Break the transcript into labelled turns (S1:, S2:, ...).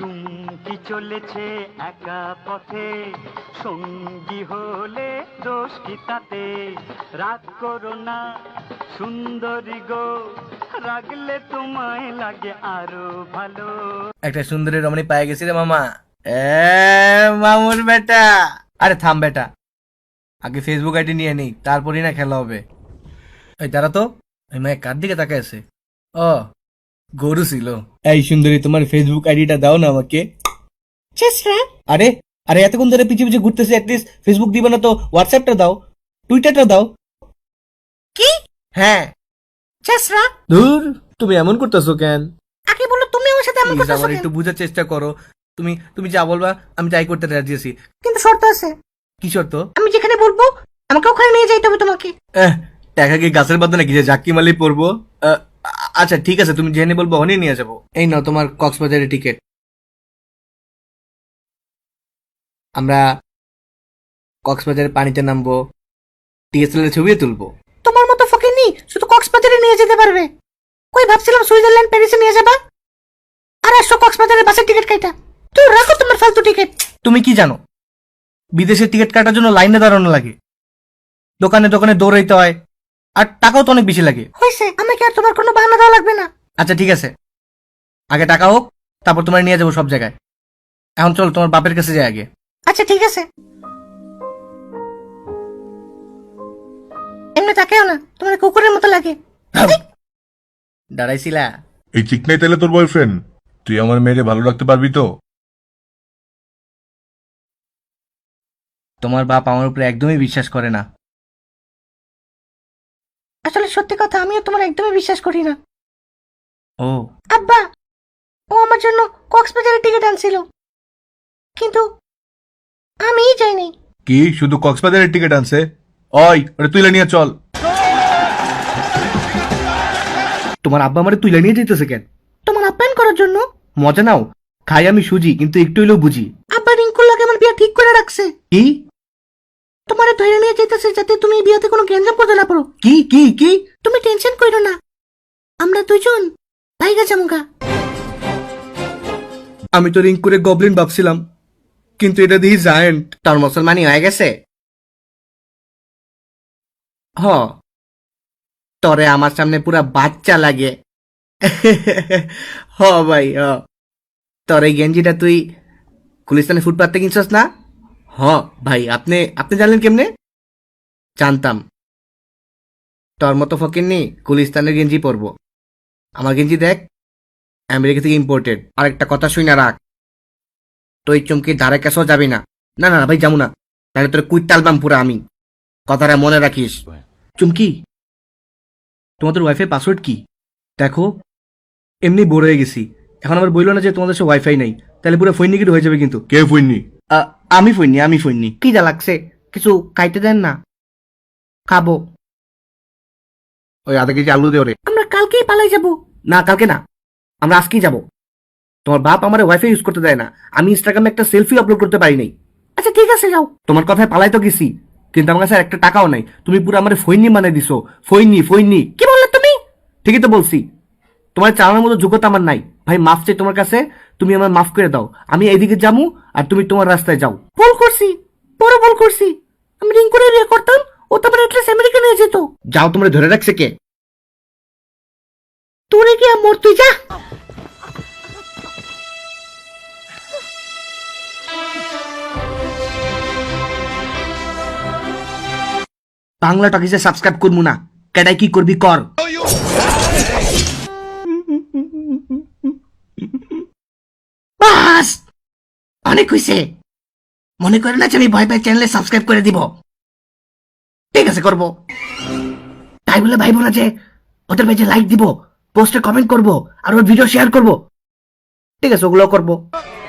S1: চুমকি চলেছে একা পথে, সঙ্গী হলে দোষ কি তাতে? রাগ করো না সুন্দরী গো, রাগলে তোমায় লাগে আরো ভালো।
S2: একটা সুন্দরী রমণী পায়ে গেছি রে মামা। মামুর বেটা। আরে থাম বেটা, আগে ফেসবুক আইডি নিয়ে নেই, তারপরই না খেলা হবে। এই দাঁড়া তো, ওই মায়ের কার দিকে তাকায় আছে? ও গরু ছিল। এই সুন্দরী, তোমার ফেসবুক আইডিটা দাও না আমাকে। আরে আরে এতক্ষণ ধরে পিছিয়ে পিছিয়ে ঘুরতেছে, অ্যাটলিস্ট ফেসবুক দিবে না তো হোয়াটসঅ্যাপটা দাও, টুইটারটা দাও।
S3: কি?
S2: হ্যাঁ।
S3: চেসরা,
S2: ধুর, তুমি এমন করতেছো কেন?
S3: আগে বলো তুমি আমার সাথে এমন
S2: প্লিজ
S3: করতেছো
S2: আমার
S3: কেন?
S2: একটু বোঝার চেষ্টা করো। তুমি তুমি যা বলবা আমি তাই করতে রাজি আছি।
S3: কিন্তু শর্ত আছে।
S2: কি শর্ত?
S3: আমি যেখানে বলবো আমাকে ওখানে নিয়ে যাইতে হবে তোমাকে।
S2: টাকা কি গাছের বাদ নাকি যে জাক্কি মালি পড়বো? আচ্ছা ঠিক আছে, তুমি জেনে বলবো ওখানে নিয়ে যাবো। এই নাও তোমার কক্সবাজারের টিকিট। আমরা কক্সবাজারের পানিতে নামবো, ডিএসএলআর ছবিও তুলবো।
S3: তোমার মতো ফকিনি শুধু কক্সবাজারে নিয়ে যেতে পারবে। কই ভাবছিলাম সুইজারল্যান্ড প্যারিসে নিয়ে যাবা, আর আসছো কক্সবাজারে বাসের টিকিট কাইটা। তুই রাখো তোমার ফালতু টিকিট।
S2: তুমি কি জানো বিদেশের টিকিট কাটার জন্য লাইনে দাঁড়ানো লাগে, দোকানে দোকানে দৌড়াইতে হয়, আর টাকাও তো অনেক বেশি লাগে।
S3: হয়েছে, আমাকে আর তোমার কোনো বাহানা দেওয়া লাগবে না।
S2: আচ্ছা ঠিক আছে, আগে টাকা হোক, তারপর তোমার নিয়ে যাবো সব জায়গায়। এখন চল তোমার বাপের কাছে যাই আগে।
S3: আচ্ছা ঠিক আছে, এমনি তাকেও না, তোমার কুকুরের মতো লাগে।
S2: দাঁড়াইছিলা?
S4: এই চিকনাই তাহলে তোর বয়ফ্রেন্ড? তুই আমার মেয়েরে ভালো রাখতে পারবি তো?
S2: তোমার বাপ আমার উপরে একদমই বিশ্বাস করে না।
S3: আসলে সত্যি কথা, আমিও তোমার একদমই বিশ্বাস করি না।
S2: ও
S3: আব্বা, ও আমার জন্য কক্সবাজারের টিকিট আনছিল, কিন্তু আমিই যাইনি।
S4: কি শুধু কক্সবাজারের টিকিট আনছে? ওই ওটা তুইলে নিয়ে চল।
S2: তোমার আব্বা আমারে তুইলা নিয়ে যেতেছে কেন?
S3: তোমার আপ্যায়ন করার জন্য।
S2: মজা নাও, খাই আমি সুজি, কিন্তু একটু হইলেও বুঝি।
S3: আব্বা রিঙ্কুর লাগে আমার বিয়ে ঠিক করে রাখছে।
S2: কি
S3: তোমারে ধরে নিয়ে যেতেছে যাতে তুমি এই বিয়েতে কোনো গ্যাঞ্জাম করতে না পারো।
S2: কি কি কি?
S3: তুমি টেনশন করো না, আমরা দুজন ভাইগা জামুগা।
S2: আমি তো রিং করে গবলিন ভাবছিলাম, কিন্তু এটা দেখি জায়ান্ট। তার মুসলমানি হয়ে গেছে। হ, তরে আমার সামনে পুরা বাচ্চা লাগে। হ ভাই হ, তোর এই গেঞ্জিটা তুই গুলিস্তানের ফুটপাথে কিনছস না? হ ভাই, আপনি আপনি জানলেন কেমনে? জানতাম, তোর মতো ফকিরনি গুলিস্তানের গেঞ্জি পরবো। আমার গেঞ্জি দেখ, আমেরিকা থেকে ইম্পোর্টেড। আর একটা কথা শুই না রাখ, তুই চুমকির ধারে কাছেও যাবি না। না না ভাই, যাবো না, তাহলে তোর কুইট টালবাম পুরা আমি। কথাটা মনে রাখিস। চুমকি, তোমাদের ওয়াইফাই পাসওয়ার্ড কি? দেখো, এমনি বোর হয়ে গেছি, এখন আবার বললো না যে তোমাদের সব ওয়াইফাই নাই, তাহলে পুরো ফৈনিকিট হয়ে যাবে কিন্তু।
S4: কে ফুইনি?
S2: আমি ফৈনি। কি যা লাগছে, কিছু খাইতে দেন না, খাবো। ওই আধা কেজি আলু দে ওরে।
S3: আমরা কালকেই পালাই যাব।
S2: না কালকে না, আমরা আজকেই যাব। তোমার বাপ আমার ওয়াইফাই ইউজ করতে দেয় না, আমি ইনস্টাগ্রামে একটা সেলফি আপলোড করতে পারি নাই।
S3: আচ্ছা ঠিক আছে, যাও।
S2: তোমার কথায় পালাই তো গেছি, কিন্তু আমার কাছে আর একটা টাকাও নাই। তুমি পুরো আমার ফৈনি মানে দিছো। ফৈনি।
S3: কি বললে তুমি?
S2: ঠিকই তো বলছি, তোমার চালানোর মতো যোগ্যতা আমার নাই। ভাই মাফ চাই তোমার কাছে, তুমি আমার মাফ করে দাও। আমি এইদিকে যাবো আর তুমি তোমার রাস্তায় যাও।
S3: ভুল করছি, বড় ভুল করছি। আমি রিঙ্কুরে বিয়ে করতাম, ও তো আবার এটলিস্ট আমেরিকা নিয়ে যেত।
S2: যাও, তোমরা ধরে রাখছে কে?
S3: তোরে গিয়া মর, তুই যা।
S2: বাংলা টকিজে সাবস্ক্রাইব করবো না, কেডাই কি করবি কর।
S3: বাস, অনেক হয়েছে। মনে করে না যে আমি ভয় পাই চ্যানেলে সাবস্ক্রাইব করে দিব।
S2: ঠিক আছে করবো।
S3: তাই বলে ভাইবো না যে ওদের পেজে লাইক দিব, পোস্টে কমেন্ট করব, আর ওর ভিডিও শেয়ার করব।
S2: ঠিক আছে, ওগুলো করবো।